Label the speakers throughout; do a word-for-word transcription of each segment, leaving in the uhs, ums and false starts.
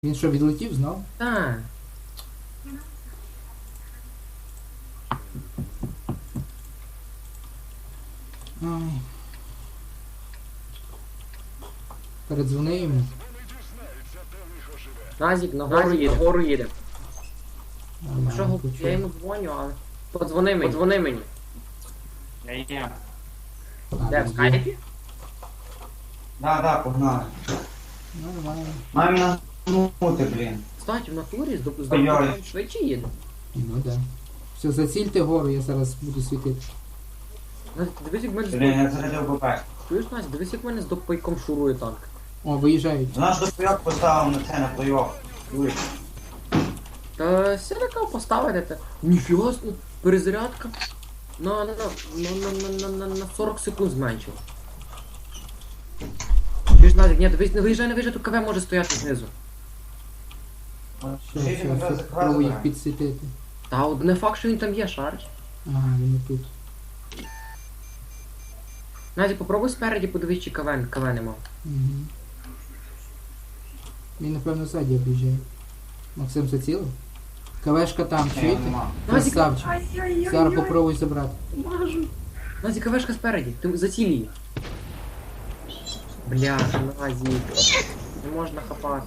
Speaker 1: Він що, відлетів знов?
Speaker 2: Так.
Speaker 1: Ай. Передзвони йому.
Speaker 2: Назік, нагору їде, нагору їде.
Speaker 1: Нормально,
Speaker 2: Що,
Speaker 1: почув.
Speaker 2: я йому дзвоню, але... Подзвони мені, подзвони мені.
Speaker 3: Я є.
Speaker 1: А,
Speaker 2: Де, в
Speaker 1: він є.
Speaker 2: скайпі?
Speaker 3: Да, да, погнали.
Speaker 1: Нормально.
Speaker 3: Мамі нагнути, блін.
Speaker 2: Кстати, в натурі з доп- з
Speaker 3: Ой-ой.
Speaker 2: допомогою швидше їде.
Speaker 1: Ну да. Все, зацільте гору, я зараз буду світити.
Speaker 2: Назік, дивись, як в мене з
Speaker 3: Блін,
Speaker 2: доп...
Speaker 3: я зарядив БП.
Speaker 2: Чуєш, Назік, дивись, як в мене з допайком шурує танк.
Speaker 1: О, виїжджають.
Speaker 3: Наш допайок поставив на це, на плей-офф. Юрій.
Speaker 2: Та сядака поставити те. Ніфіга, собі, перезарядка. На, на, на, на, на, на, на, на сорок секунд зменшив. Чуєш, Назік, ні, дивись, не виїжджай, не виїжджай, тут КВ може стояти знизу.
Speaker 1: Все, все, все, спробую їх підсвітити.
Speaker 2: Та от не факт, що він там є, шариш.
Speaker 1: Ага, він і тут.
Speaker 2: Назік, попробуй спереді подивись, чи КВ, КВ нема.
Speaker 1: Угу. Він, напевно, ззаді об'їжджає. Максим зацілив? КВшка там,
Speaker 3: Ні,
Speaker 1: чуєте?
Speaker 3: нема.
Speaker 2: Назік,
Speaker 1: Красавчик. Зараз попробуй забрати.
Speaker 2: мажу. Назік, КВшка спереді, ти заціль її. Бляха, Назік. Не можна хапати.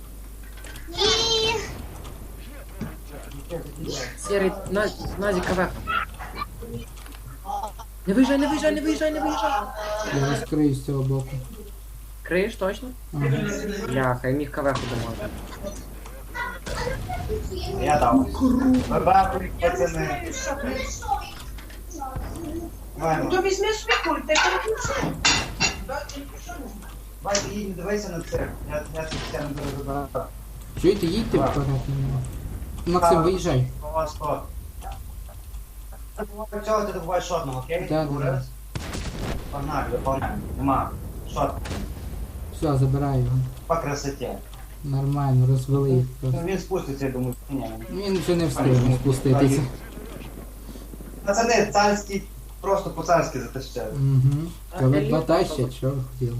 Speaker 2: Серий, Назік, Назік, КВ. Не виїжджай, не виїжджай, не виїжджай, не виїжджай.
Speaker 1: Я розкрию з цього боку.
Speaker 2: Криєш точно?
Speaker 1: Ага.
Speaker 2: Бляха, я міг КВ подумати.
Speaker 3: Я дав. БП, пацани. Ваймо.
Speaker 4: То візьми свій пульт, ти переключай.
Speaker 3: Вай, їдь, дивися на це. Я, я це все не буду забирати.
Speaker 1: Чуєте, їдьте вперед на нього. Максим, виїжджай.
Speaker 3: У вас хто? Чого ти добуваєш шотного, окей?
Speaker 1: Да, да,
Speaker 3: Говорили? Погнали, виповняємо. Нема. Шот.
Speaker 1: Все, забираю його.
Speaker 3: По красоті.
Speaker 1: Нормально, розвели їх
Speaker 3: Ну,
Speaker 1: просто.
Speaker 3: він спуститься, я думаю, ні.
Speaker 1: Він вже не встигне спуститися.
Speaker 3: Пацани, царський, просто по-царськи затащали.
Speaker 1: Угу. Коли два тащать, що ви хотіли?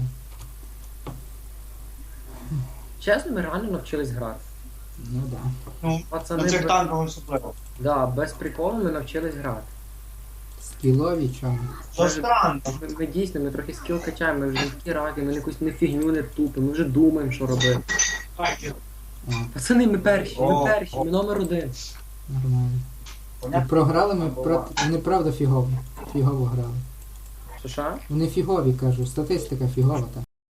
Speaker 2: Чесно, ми реально навчились грати.
Speaker 1: Ну да.
Speaker 3: Ну,
Speaker 2: Пацани,
Speaker 3: на цих
Speaker 2: б-
Speaker 3: танках особливо.
Speaker 2: Да, без приколу ми навчились грати.
Speaker 1: Скілові чому?
Speaker 3: Що странно.
Speaker 2: Ми, ми дійсно, ми трохи скіл качаємо, ми вже не такі раки, ми якусь не фігню не тупимо, ми вже думаємо, що робити.
Speaker 1: А,
Speaker 2: Пацани, ми перші, ми
Speaker 3: О,
Speaker 2: перші,
Speaker 3: о.
Speaker 2: ми номер один.
Speaker 1: нормально. І
Speaker 3: Понятно?
Speaker 1: програли ми проти... Вони правда фігово. Фігово грали.
Speaker 2: Що що?
Speaker 1: Вони фігові, кажу, статистика фігова там.